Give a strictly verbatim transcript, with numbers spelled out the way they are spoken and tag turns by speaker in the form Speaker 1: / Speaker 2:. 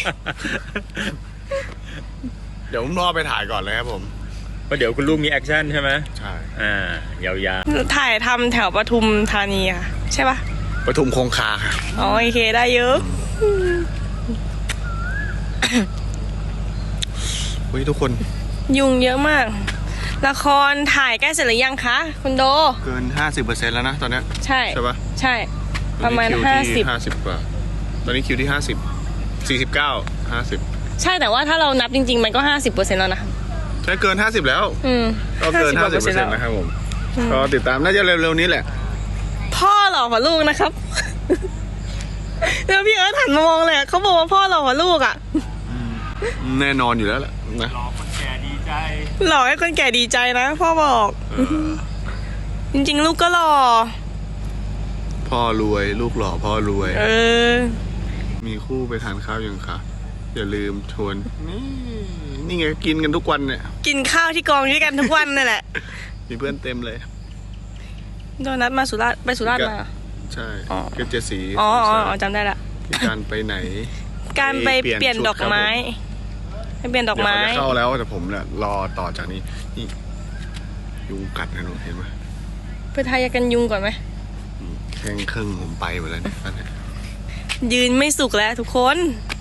Speaker 1: เดี๋ยวผมรอไปถ่ายก่อนเลยครับผม
Speaker 2: เพราะเดี๋ยวคุณลูกมีแอคชั่นใช่ไหม
Speaker 1: ใช่
Speaker 2: อ่ายาว
Speaker 3: ๆถ่ายทำแถวปทุมธานีค่ะใช่ปะ
Speaker 1: ปทุมคงคาค่ะ
Speaker 3: อ๋อโอเคได้เยอะ
Speaker 1: เฮ้ยทุกคน
Speaker 3: ยุงเยอะมากละครถ่ายใกล้เสร็จหรือยังคะคุณโด
Speaker 1: เกิน ห้าสิบเปอร์เซ็นต์ แล้วนะตอนนี้
Speaker 3: ใช่
Speaker 1: ใช่ปะ
Speaker 3: ใช่ประมาณห้าสิบ
Speaker 1: ห้าสิบกว่าตอนนี้คิวที่ห้าสิบ สี่สิบเก้า ห้าสิบ
Speaker 3: ใช่แต่ว่าถ้าเรานับจริงๆมันก็ ห้าสิบเปอร์เซ็นต์ แล้วนะ
Speaker 1: ใช่เกินห้าสิบแล้ว
Speaker 3: อืม
Speaker 1: ก็เกิน ห้าสิบเปอร์เซ็นต์ นะครับผมก็ติดตามน่าจะเร็วๆนี้แหละ
Speaker 3: พ่อหล่อกว่าลูกนะครับแล้วพี่เอิร์ธหันมามองเลยเขาบอกว่าพ่อหล่อกว่าลูกอ่ะ
Speaker 1: แน่นอนอยู่แล้วแหละนะ
Speaker 2: ๆรอคนแก่ดีใจ
Speaker 3: หล่อให้คนแก่ดีใจนะพ่อบอกจริงๆลูกก็หล่อ
Speaker 1: พ่อรวยลูกหล่อพ่อรวย
Speaker 3: เออ
Speaker 1: มีคู่ไปทานข้าวยังคะอย่าลืมชวนนี่นี่ไงกินกันทุกวันเนี่ย
Speaker 3: กินข้าวที่กองด้วยกันทุกวันนี่แหละ
Speaker 1: มีเพื่อนเต็มเลย
Speaker 3: โดนัทมาสุราษฎร์ไปสุราษฎร์มา
Speaker 1: ใช่เกจสี
Speaker 3: อ๋ออ๋อจำได้ละ
Speaker 1: การไปไหน
Speaker 3: การไปเปลี่ยนดอกไม้ไปเปลี่ยนดอกไม้
Speaker 1: เดี๋ยวเขาจะเข้าแล้วแต่ผมเนี่ยรอต่อจากนี้นี่ยุงกัดนะหนูเห็นไหม
Speaker 3: ไปทายากันยุงก่อนไหม
Speaker 1: แข้งครึ่งผมไปหมดแล้วเนี่ย
Speaker 3: ยืนไม่สุกแล้วทุกคน